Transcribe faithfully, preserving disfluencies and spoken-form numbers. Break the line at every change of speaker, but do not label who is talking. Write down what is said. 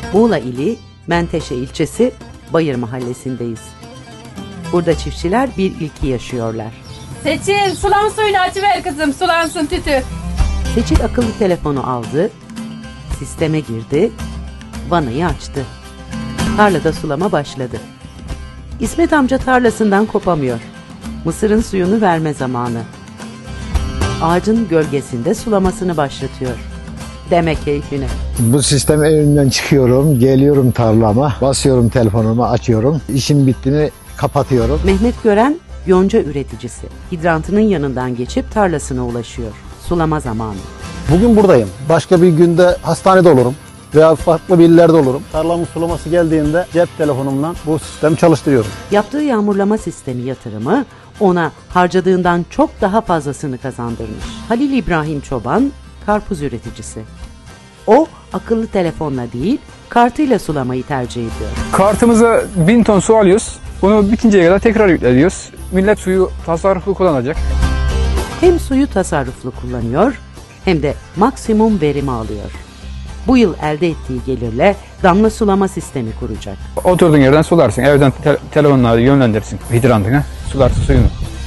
Muğla ili Menteşe ilçesi Bayır mahallesindeyiz. Burada çiftçiler bir ilki yaşıyorlar.
Seçil, sulan suyunu açıver kızım, sulansın tütü.
Seçil akıllı telefonu aldı, sisteme girdi, vanayı açtı. Tarlada sulama başladı. İsmet amca tarlasından kopamıyor. Mısırın suyunu verme zamanı. Ağacın gölgesinde sulamasını başlatıyor. Demek keyfine.
Bu sistem evimden çıkıyorum, geliyorum tarlama, basıyorum telefonumu, açıyorum. İşim bitti mi kapatıyorum.
Mehmet Gören yonca üreticisi. Hidrantının yanından geçip tarlasına ulaşıyor. Sulama zamanı.
Bugün buradayım. Başka bir günde hastanede olurum veya farklı bir illerde olurum. Tarlamın sulaması geldiğinde cep telefonumdan bu sistemi çalıştırıyorum.
Yaptığı yağmurlama sistemi yatırımı ona harcadığından çok daha fazlasını kazandırmış. Halil İbrahim Çoban karpuz üreticisi. O akıllı telefonla değil kartıyla sulamayı tercih ediyor.
Kartımıza bin ton su alıyoruz. Bunu bitinceye kadar tekrar yükleniyoruz. Millet suyu tasarruflu kullanacak.
Hem suyu tasarruflu kullanıyor hem de maksimum verimi alıyor. Bu yıl elde ettiği gelirle damla sulama sistemi kuracak.
Oturduğun yerden sularsın. Evden te telefonla yönlendirsin hidrantına. Sularsın suyunu.